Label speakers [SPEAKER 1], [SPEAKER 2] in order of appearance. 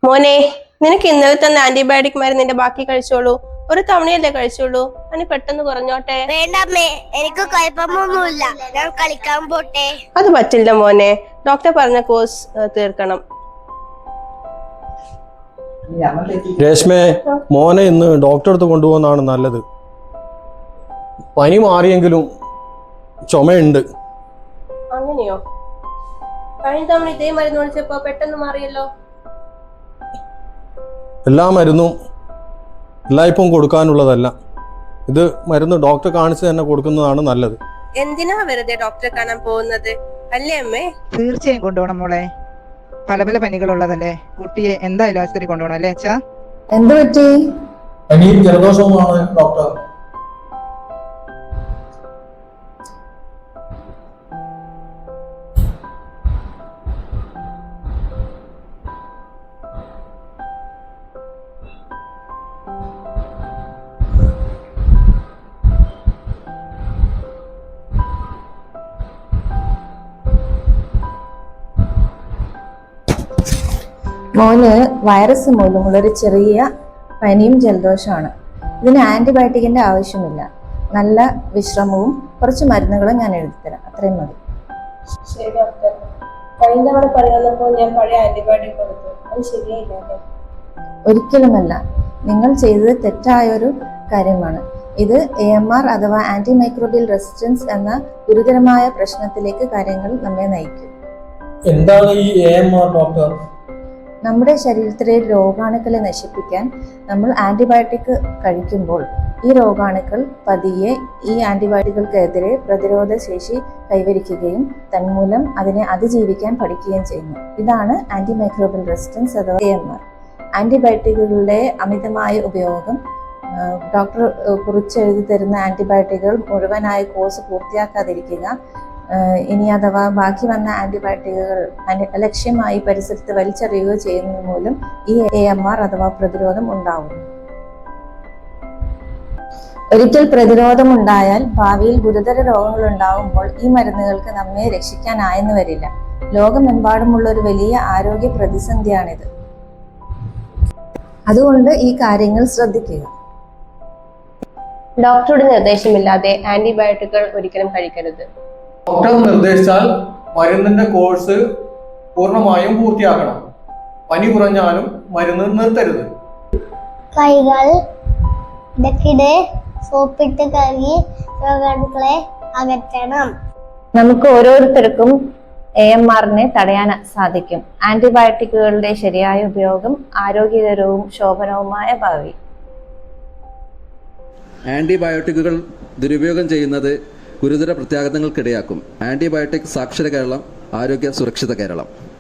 [SPEAKER 1] മോനെ, നിനക്ക് ഇന്നലെ തന്ന ആന്റിബയോട്ടിക് മരുന്നിന്റെ ബാക്കി കഴിച്ചോളൂ. ഒരു തവണയല്ലേ കഴിച്ചോളൂ, അതിന് പെട്ടെന്ന് കുറഞ്ഞോട്ടെ.
[SPEAKER 2] വേണ്ടമ്മേ, എനിക്ക് കുഴപ്പമൊന്നുമില്ല, ഞാൻ കളിക്കാൻ പോട്ടെ.
[SPEAKER 1] അത് പറ്റില്ല മോനെ, ഡോക്ടർ പറഞ്ഞ കോഴ്സ് തീർക്കണം.
[SPEAKER 3] രേഷ്മേ, മോനെ ഇന്ന് ഡോക്ടറെ അടുത്ത് കൊണ്ടുപോകുന്നതാണ് നല്ലത്. പനി മാറിയെങ്കിലും ചുമയുണ്ട്.
[SPEAKER 1] അങ്ങനെയോ? കഴിഞ്ഞ തവണ ഇതേ മരുന്ന് ഒഴിച്ചപ്പോ പെട്ടെന്ന് മാറിയല്ലോ.
[SPEAKER 3] എല്ലാ മരുന്നും എല്ലായ്പും കൊടുക്കാനുള്ളതല്ല. ഇത് മരുന്ന് ഡോക്ടറെ കാണിച്ച് തന്നെ കൊടുക്കുന്നതാണ് നല്ലത്.
[SPEAKER 1] എന്തിനാ വെറുതെ ഡോക്ടറെ കാണാൻ പോകുന്നത്, അല്ലേ അമ്മേ?
[SPEAKER 4] തീർച്ചയായും കൊണ്ടുപോകണം മോളെ. പല പല പനികളുള്ളതല്ലേ, കുട്ടിയെ എന്തായാലും ആശുപത്രി കൊണ്ടുപോകണം അല്ലേ അച്ഛാ?
[SPEAKER 5] എന്ത് പറ്റി?
[SPEAKER 3] പനിയും ജലദോഷവുമാണ് ഡോക്ടർ.
[SPEAKER 5] മോന് വൈറസ് മൂലമുള്ളൊരു ചെറിയ പനിയും ജലദോഷമാണ്. ഇതിന് ആന്റിബയോട്ടിക്കിന്റെ ആവശ്യമില്ല. നല്ല വിശ്രമവും കുറച്ച് മരുന്നുകളും ഞാൻ എഴുതിത്തരാം, അത്രയും മതി.
[SPEAKER 1] ശരി ഡോക്ടർ. കഴിഞ്ഞ തവണ പനി വന്നപ്പോൾ ഞാൻ പഴയ ആന്റിബയോട്ടിക് കൊടുത്തു, അത് ശരിയായില്ലേ?
[SPEAKER 5] ഒരിക്കലുമല്ല, നിങ്ങൾ ചെയ്തത് തെറ്റായൊരു കാര്യമാണ്. ഇത് AMR അഥവാ ആന്റി മൈക്രോബിയൽ റെസിസ്റ്റൻസ് എന്ന ഗുരുതരമായ പ്രശ്നത്തിലേക്ക് കാര്യങ്ങൾ നമ്മെ നയിക്കും.
[SPEAKER 3] എന്താണ് ഈ AMR ഡോക്ടർ?
[SPEAKER 5] നമ്മുടെ ശരീരത്തിലെ രോഗാണുക്കളെ നശിപ്പിക്കാൻ നമ്മൾ ആന്റിബയോട്ടിക് കഴിക്കുമ്പോൾ ഈ രോഗാണുക്കൾ പതിയെ ഈ ആന്റിബയോട്ടിക്കുകൾക്കെതിരെ പ്രതിരോധ ശേഷി കൈവരിക്കുകയും തന്മൂലം അതിനെ അതിജീവിക്കാൻ പഠിക്കുകയും ചെയ്യുന്നു. ഇതാണ് ആന്റി മൈക്രോബിയൽ റെസിസ്റ്റൻസ് അഥവാ AMR. ആന്റിബയോട്ടിക്കുകളുടെ അമിതമായ ഉപയോഗം, ഡോക്ടർ കുറിച്ചെഴുതി തരുന്ന ആന്റിബയോട്ടിക്കുകൾ മുഴുവനായി കോഴ്സ് പൂർത്തിയാക്കാതിരിക്കുക, ഇനി അഥവാ ബാക്കി വന്ന ആന്റിബയോട്ടിക്കുകൾ അലക്ഷ്യമായി പരിസരത്ത് വലിച്ചെറിയുകയോ ചെയ്യുന്നത് മൂലം ഈ AMR അഥവാ പ്രതിരോധം ഉണ്ടാവുന്നു. ഒരിക്കൽ പ്രതിരോധം ഉണ്ടായാൽ ഭാവിയിൽ ഗുരുതര രോഗങ്ങൾ ഉണ്ടാകുമ്പോൾ ഈ മരുന്നുകൾക്ക് നമ്മെ രക്ഷിക്കാനായെന്ന് വരില്ല. ലോകമെമ്പാടുമുള്ള ഒരു വലിയ ആരോഗ്യ പ്രതിസന്ധിയാണിത്. അതുകൊണ്ട് ഈ കാര്യങ്ങൾ ശ്രദ്ധിക്കുക.
[SPEAKER 1] ഡോക്ടറുടെ നിർദ്ദേശമില്ലാതെ ആന്റിബയോട്ടിക്കുകൾ ഒരിക്കലും കഴിക്കരുത്.
[SPEAKER 3] ഡോക്ടർ നിർദ്ദേശിച്ചാൽ മരുന്നിന്റെ കോഴ്സ് പൂർണ്ണമായും പൂർത്തിയാക്കണം. പനി കുറഞ്ഞാലും മരുന്ന് നിർത്തരുത്.
[SPEAKER 2] കൈകൾ ഇടയ്ക്കിടെ സോപ്പിട്ട് കഴുകി രോഗാണുക്കളെ അകറ്റണം.
[SPEAKER 5] നമുക്ക് ഓരോരുത്തർക്കും AMRനെ തടയാൻ സാധിക്കും. ആന്റിബയോട്ടിക്കുകളുടെ ശരിയായ ഉപയോഗം ആരോഗ്യകരവും ശോഭനവുമായ ഭാവി.
[SPEAKER 6] ആന്റിബയോട്ടിക്കുകൾ ദുരുപയോഗം ചെയ്യുന്നത് ഗുരുതര പ്രത്യാഘാതങ്ങൾക്കിടയാക്കും. ആന്റിബയോട്ടിക് സാക്ഷര കേരളം, ആരോഗ്യ സുരക്ഷിത കേരളം.